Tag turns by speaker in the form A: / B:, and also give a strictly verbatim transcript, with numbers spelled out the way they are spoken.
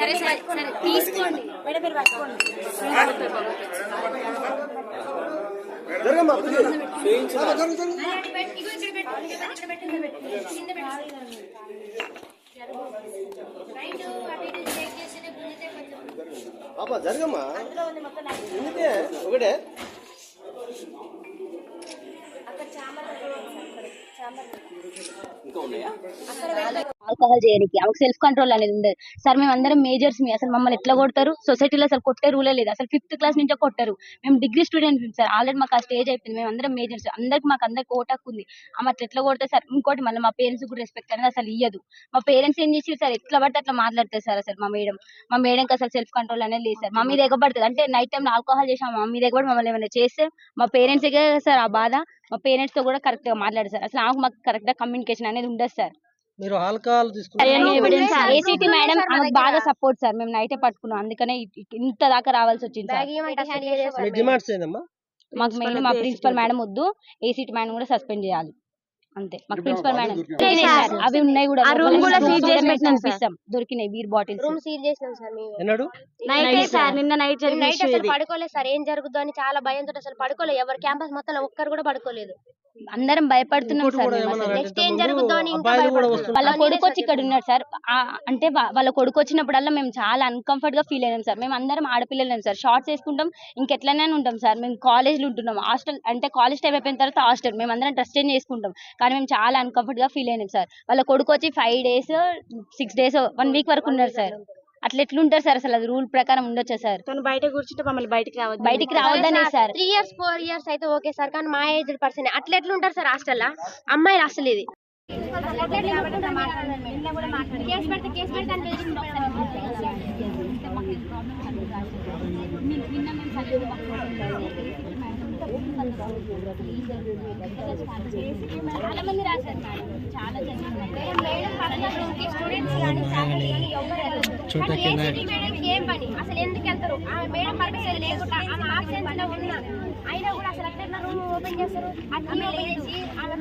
A: సరే సరే సరే తీసుకోండి మేడం మీరు పట్టుకోండి
B: జరగమ్మా పాపా జరగమ్మా ఎందుకే ఒకటే ఇంకా ఉన్నాయా
C: ఆల్కహాల్ చేయడానికి ఆమెకు సెల్ఫ్ కంట్రోల్ అనేది ఉండదు సార్. మేము అందరం మేజర్స్ మీ అసలు మమ్మల్ని ఎట్లా కొడతారు? సొసైటీలో అసలు కొట్టే రూలే లేదు. అసలు ఫిఫ్త్ క్లాస్ నుంచే కొట్టారు. మేము డిగ్రీ స్టూడెంట్ సార్. ఆల్రెడీ మాకు ఆ స్టేజ్ అయిపోయింది. మేము అందరం మేజర్స్ అందరికి మాకు అందరికి ఓటాకు ఉంది. ఆమె అట్లా ఎట్లా కొడతారు సార్? ఇంకోటి మళ్ళీ మా పేరెంట్స్ కూడా రెస్పెక్ట్ అనేది అసలు ఇయ్యదు. మా పేరెంట్స్ ఏం చేసి సార్ ఎట్లా పడితే అట్లా మాట్లాడతారు సార్. అసలు మా మేడం మా మేడంకి అసలు సెల్ఫ్ కంట్రోల్ అనేది లేదు సార్. మా మీద ఎగబడుతుంది అంటే నైట్ టైం ఆల్కహాల్ చేసాం మా మీద ఎగబడి మమ్మల్ని ఏమైనా చేస్తే మా పేరెంట్స్ సార్ ఆ బాధ. మా పేరెంట్స్ తో కూడా కరెక్ట్ గా మాట్లాడారు సార్. అసలు ఆమెకు మాకు కరెక్ట్ గా కమ్యూనికేషన్ అనేది ఉండదు సార్.
B: మీరు ఆల్కహాల్
C: ఏసీటీ మేడం ఆమెకు బాగా సపోర్ట్ సార్. మేము నైటే పట్టుకున్నాం అందుకనే ఇంత దాకా రావాల్సి వచ్చింది సార్. మాకు మెయిన్ మా ప్రిన్సిపల్ మేడం వద్దు, ఏసీటీ మేడం కూడా సస్పెండ్ చేయాలి అంతే. మాకు ప్రిన్సిపల్ మేడం అవి ఉన్నాయి కూడా దొరికినాయి బీర్ బాటిల్స్
A: రూమ్ సీల్ చేసినాం సార్ మేము.
B: ఎన్నడు
A: నైట్ సార్ నిన్న నైట్ నైట్ అసలు పడుకోలేదు సార్. ఏం జరుగుతుందో అని చాలా భయంతో అసలు పడుకోలేదు. ఎవరు క్యాంపస్ మొత్తం ఒక్కరు కూడా పడుకోలేదు.
C: అందరం భయపడుతున్నాం సార్.
A: నెక్స్ట్ ఏం జరుగుతుందో అని ఇంకా
C: వాళ్ళ కొడుకు వచ్చి ఇక్కడ ఉన్నాడు సార్. అంటే వాళ్ళ కొడుకు వచ్చినప్పుడల్లా మేము చాలా అన్కంఫర్ట్ గా ఫీల్ అయినాం సార్. మేము అందరం ఆడపిల్లలేం సార్. షార్ట్స్ వేసుకుంటాం ఇంకెట్లనే ఉంటాం సార్. మేము కాలేజ్ లో ఉంటున్నాం. హాస్టల్ అంటే కాలేజ్ టైం అయిపోయిన తర్వాత హాస్టల్ మేము అందరం డ్రెస్ చేంజ్ చేసుకుంటాం. కానీ మేము చాలా అన్కంఫర్ట్ గా ఫీల్ అయినాం సార్. వాళ్ళ కొడుకు వచ్చి five days six days one week వరకు ఉన్నారు సార్. అట్లా ఎట్లుంటారు సార్? అసలు అది రూల్ ప్రకారం ఉండొచ్చా సార్?
A: తను బయట కూర్చుంటే మమ్మల్ని బయటకి రావద్దు
C: బయటికి రావద్దనే sir.
A: Three years four years అయితే ఓకే సార్. కానీ మా ఏజ్ పర్సన్ అట్లా ఎట్లుంటారు సార్ హాస్టల్ అమ్మాయిలు? అసలు ఇది
C: చాలా మంది రాశారు మేడం. చాలా
A: ఏం పని అసలు ఎందుకు వెళ్తారు? మేడం పర్మిషన్ లేకుండా ఆమె ఆబ్సెన్స్ లో ఉన్నా అయినా కూడా అసలు అట్లా రూమ్ ఓపెన్ చేస్తారు.